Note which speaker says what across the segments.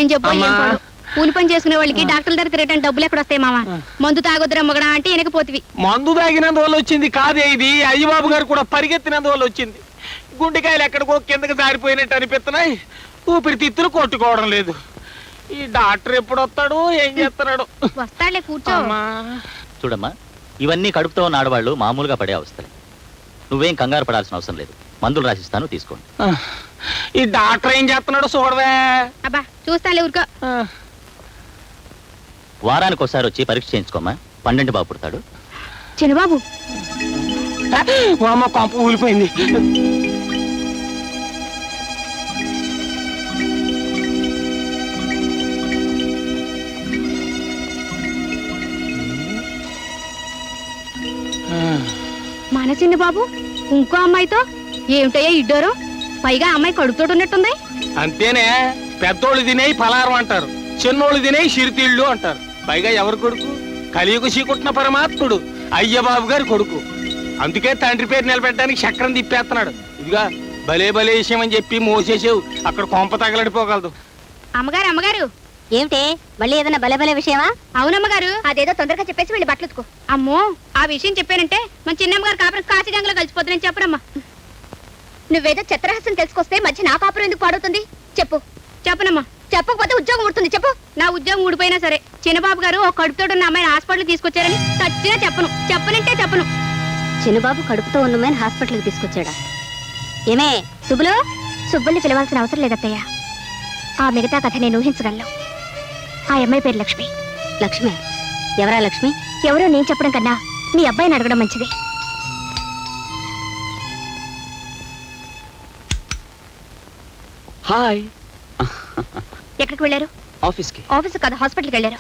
Speaker 1: ఏం చెప్పు కూలి పని చేసుకునే వాళ్ళకి డాక్టర్ దగ్గర తిరగడానికి డబ్బులు ఎక్కడ వస్తాయి మామ? మందు తాగొద్దురా మొగడా అంటే వెనకపోతివి.
Speaker 2: మందు తాగినందువల్ల వచ్చింది కాదే ఇది. అయ్యబాబు గారు కూడా పరిగెత్తినందువల్ల వచ్చింది. గుండెకాయలు ఎక్కడికో కిందకి జారిపోయినట్టు అనిపిస్తున్నాయి. ఊపిరితిత్తులు కొట్టుకోవడం లేదు. ఈ డాక్టర్ ఎప్పుడు వస్తాడు, ఏం చేస్తున్నాడు?
Speaker 1: వస్తాడులే, కూర్చో.
Speaker 3: చూడమ్మా, ఇవన్నీ కడుపుతో ఉన్న ఆడవాళ్ళు మామూలుగా పడే అవస్థలే. నువ్వేం కంగారు పడాల్సిన అవసరం లేదు. మందులు రాసిస్తాను, తీసుకోండి.
Speaker 2: ఈ డాక్టర్ ఏం చేస్తున్నాడు చూడవే.
Speaker 1: అబ్బా చూస్తాలే, ఊరుకో.
Speaker 3: వారానికి ఒకసారి వచ్చి పరీక్ష చేయించుకోమ్మా. 12 బాబు పుడతాడు.
Speaker 1: చిన్నబాబు
Speaker 2: అమ్మ కొంప ఊలిపోయింది.
Speaker 1: మన చిన్న బాబు ఇంకో అమ్మాయితో ఏమిటయ్యా ఇడ్డోరు? పైగా అమ్మాయి కడుపుతోటి ఉన్నట్టుంది.
Speaker 2: అంతేనే, పెద్దోళ్ళు తినేయి పలారం అంటారు, చిన్నోళ్ళు తినేయి సిరితీళ్ళు అంటారు. పైగా ఎవరు కొడుకు? కలియుగ చీకుట్టిన పరమాత్ముడు అయ్యబాబు గారి కొడుకు. అందుకే తండ్రి పేరు నిలబెట్టడానికి చక్రం తిప్పేస్తున్నాడు. ఇదిగా భలే భలే విషయం అని చెప్పి మోసేసావు, అక్కడ కొంప తగలడిపోగలదు.
Speaker 1: అమ్మగారు అమ్మగారు,
Speaker 4: ఏమిటే మళ్ళీ ఏదైనా భలే భలే విషయమా?
Speaker 1: అవునమ్మగారు.
Speaker 4: అదేదో తొందరగా చెప్పేసి వెళ్ళి బట్టలు ఉతుకో.
Speaker 1: అమ్మో, ఆ విషయం చెప్పానంటే మన చిన్నమ్మగారు కాపురం కాశీగంగలో కలిసిపోతుందని చెప్పరమ్మా.
Speaker 4: నువ్వేదో చిత్రహాసం తెలుసుకొస్తే మధ్య నా కాపురం ఎందుకు పాడుతుంది? చెప్పు.
Speaker 1: చెప్పనమ్మా.
Speaker 4: చెప్పకపోతే ఉద్యోగం ఊడుతుంది. చెప్పు.
Speaker 1: నా ఉద్యోగం ఊడిపోయినా సరే చిన్నబాబు గారు ఒక కడుపుతోటి ఉన్న అమ్మాయిని హాస్పిటల్ తీసుకొచ్చారని ఖచ్చితంగా చెప్పను. చెప్పనంటే చెప్పను.
Speaker 4: చిన్నబాబు కడుపుతో ఉన్నమని హాస్పిటల్కి తీసుకొచ్చాడా? ఏమే సుబ్బులు?
Speaker 1: సుబ్బుల్ని పిలవాల్సిన అవసరం లేదత్తయ్య. ఆ మిగతా కథ నేను ఊహించగలను. ఆ అమ్మాయి పేరు లక్ష్మి.
Speaker 4: లక్ష్మి? ఎవరా లక్ష్మి?
Speaker 1: ఎవరో నేను చెప్పడం కన్నా మీ అబ్బాయిని అడగడం మంచిది.
Speaker 5: హాయ్.
Speaker 1: ఎక్కడికి వెళ్ళారు?
Speaker 5: ఆఫీస్కి.
Speaker 1: ఆఫీస్ కదా, హాస్పిటల్కి వెళ్ళారు.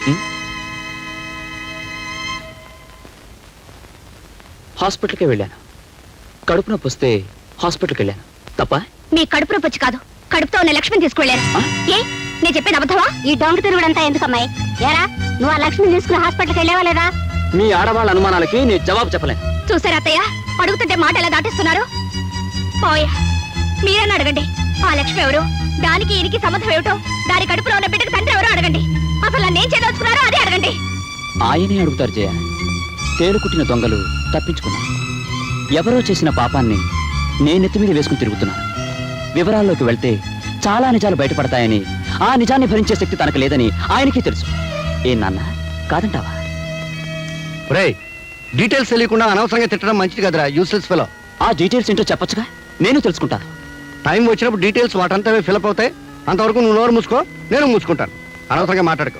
Speaker 5: హాస్పిటల్కి వెళ్ళాను. కడుపు నొప్పి వస్తే హాస్పిటల్కి వెళ్ళాను. తప్ప?
Speaker 1: మీ కడుపు నొప్పి వచ్చి కాదు, కడుపుతో ఉన్న లక్ష్మిని తీసుకువెళ్ళారు. ఏ నేను చెప్పేది అబద్ధమా?
Speaker 4: ఈ డొంక తిరుగుడంతా ఎందుకమ్మాయి? ఏరా, నువ్వు ఆ లక్ష్మిని తీసుకుని హాస్పిటల్కి వెళ్ళావా లేదా?
Speaker 5: మీ ఆడవాళ్ళ అనుమానాలకి నేను జవాబు చెప్పలేను.
Speaker 1: చూసారా అత్తయ్య, అడుగుతుంటే మాట ఎలా దాటిస్తున్నారు? పోయా, మీరన్నా అడగండి. ఆ లక్ష్మి ఎవరు, దానికి ఈయనకి సంబంధం ఏమిటో, దాని కడుపులో ఉన్న బిడ్డకు తండ్రి ఎవరో అడగండి. అసలు నన్నేం చేయదలుచుకున్నారో అదే అడగండి.
Speaker 5: ఆయనే అడుగుతారు జయ. తేలుకుట్టిన దొంగలు తప్పించుకున్నాను. ఎవరో చేసిన పాపాన్ని నేనెత్తి మీద వేసుకుని తిరుగుతున్నాను. వివరాల్లోకి వెళ్తే చాలా నిజాలు బయటపడతాయని, ఆ నిజాన్ని భరించే శక్తి తనకు లేదని ఆయనకి తెలుసు. ఏ నాన్న, కాదంటావా?
Speaker 6: డీటెయిల్స్ తెలియకుండా అనవసరంగా తిట్టడం మంచిది కదరా, యూస్లెస్ ఫెలో.
Speaker 5: ఆ డీటెయిల్స్ ఏంటో చెప్పొచ్చుగా, నేను తెలుసుకుంటాను.
Speaker 6: టైం వచ్చినప్పుడు డీటెయిల్స్ వాటంతా ఫిలప్ అవుతాయి. అంతవరకు నువ్వు నోరు మూసుకో, నేను మూసుకుంటాను. అనవసరంగా మాట్లాడుకో.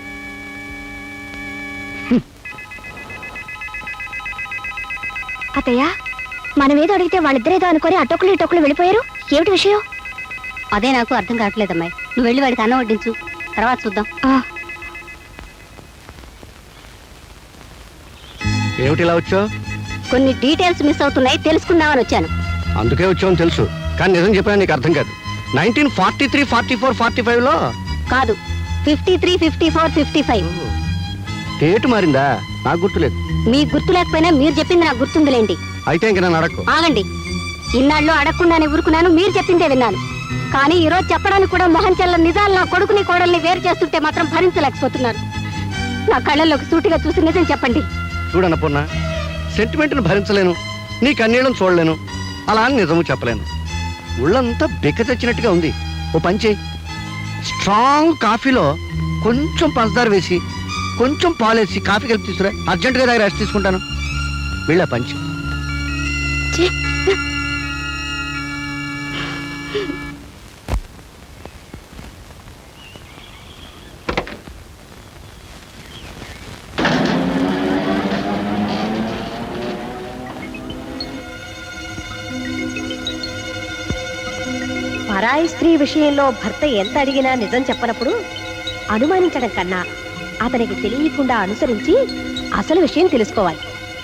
Speaker 1: అత్తయ్య, మనం ఏదో అడిగితే వాళ్ళిద్దరేదో అనుకొని అటొక్కులు ఇటొక్కులు వెళ్ళిపోయారు. ఏమిటి విషయం?
Speaker 4: అదే నాకు అర్థం కావట్లేదమ్మాయి. నువ్వు వెళ్ళి వాడికి అన్నం వడ్డించు, తర్వాత చూద్దాం.
Speaker 6: ఏమిటి ఇలా వచ్చావు?
Speaker 4: కొన్ని డీటెయిల్స్ మిస్ అవుతున్నాయి, తెలుసుకుందామని వచ్చాను.
Speaker 6: అందుకే వచ్చావని తెలుసు, కానీ నిజం చెప్పినా నీకు అర్థం కాదు. 1943, 44, 45లో
Speaker 4: కాదు, 53, 54, 55.
Speaker 6: డేట్ మారిందా? నాకు గుర్తులేదు.
Speaker 4: మీకు గుర్తు లేకపోయినా మీరు చెప్పింది నాకు గుర్తుందిలేండి.
Speaker 6: అయితే ఇంక నన్ను అడక్కు.
Speaker 4: ఆగండి. ఇన్నాళ్ళు అడగకుండానే ఊరుకున్నాను, మీరు చెప్పిందే విన్నాను. కానీ ఈ రోజు చెప్పడానికి కూడా మొహం చెల్ల నిజాలు నా కొడుకుని కోడల్ని వేరు చేస్తుంటే మాత్రం భరించలేకపోతున్నాను. నా కళ్ళల్లోకి సూటిగా చూసి నిజం చెప్పండి.
Speaker 6: చూడన్నపూర్ణ, సెంటిమెంట్ను భరించలేను, నీ కన్నీళ్ళను చూడలేను, అలా అని నిజము చెప్పలేను. ఒళ్ళంతా బెక్క తెచ్చినట్టుగా ఉంది. ఓ పని చేయి, స్ట్రాంగ్ కాఫీలో కొంచెం పంచదార వేసి కొంచెం పాలేసి కాఫీ కలిపి తీసుకురా. అర్జెంటుగా దగ్గర రెస్ట్ తీసుకుంటాను. వెళ్ళా పంచి.
Speaker 7: పరాయి స్త్రీ విషయంలో భర్త ఎంత అడిగినా నిజం చెప్పనప్పుడు అనుమానించడం కన్నా అతనికి తెలియకుండా అనుసరించి అసలు విషయం తెలుసుకోవాలి.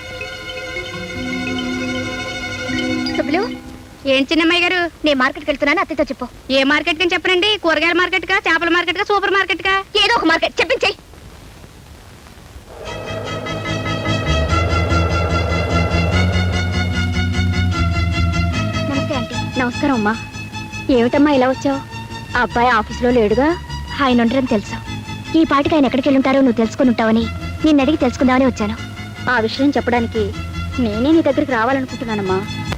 Speaker 1: సుబ్బులు, ఏం చిన్నమ్మాయి గారు?
Speaker 4: నేను మార్కెట్కి వెళ్తున్నాను, అత్తతో చెప్పు.
Speaker 1: ఏ మార్కెట్ కని చెప్పనండి? కూరగాయల మార్కెట్ కా, చేపల మార్కెట్ కా, సూపర్ మార్కెట్ కా?
Speaker 4: ఏదో ఒక మార్కెట్ చెప్పించేయి.
Speaker 1: నమస్తే ఆంటీ.
Speaker 4: నమస్కారం అమ్మా. ఏమిటమ్మా ఇలా వచ్చావు? ఆ అబ్బాయి ఆఫీసులో లేడుగా?
Speaker 1: ఆయన ఉండరని తెలుసు. ఈ పాటికి ఆయన ఎక్కడికి వెళ్ళుంటారో నువ్వు తెలుసుకుని ఉంటావని నిన్ను అడిగి తెలుసుకుందామని వచ్చాను.
Speaker 4: ఆ విషయం చెప్పడానికి నేనే నీ దగ్గరికి రావాలనుకుంటున్నానమ్మా.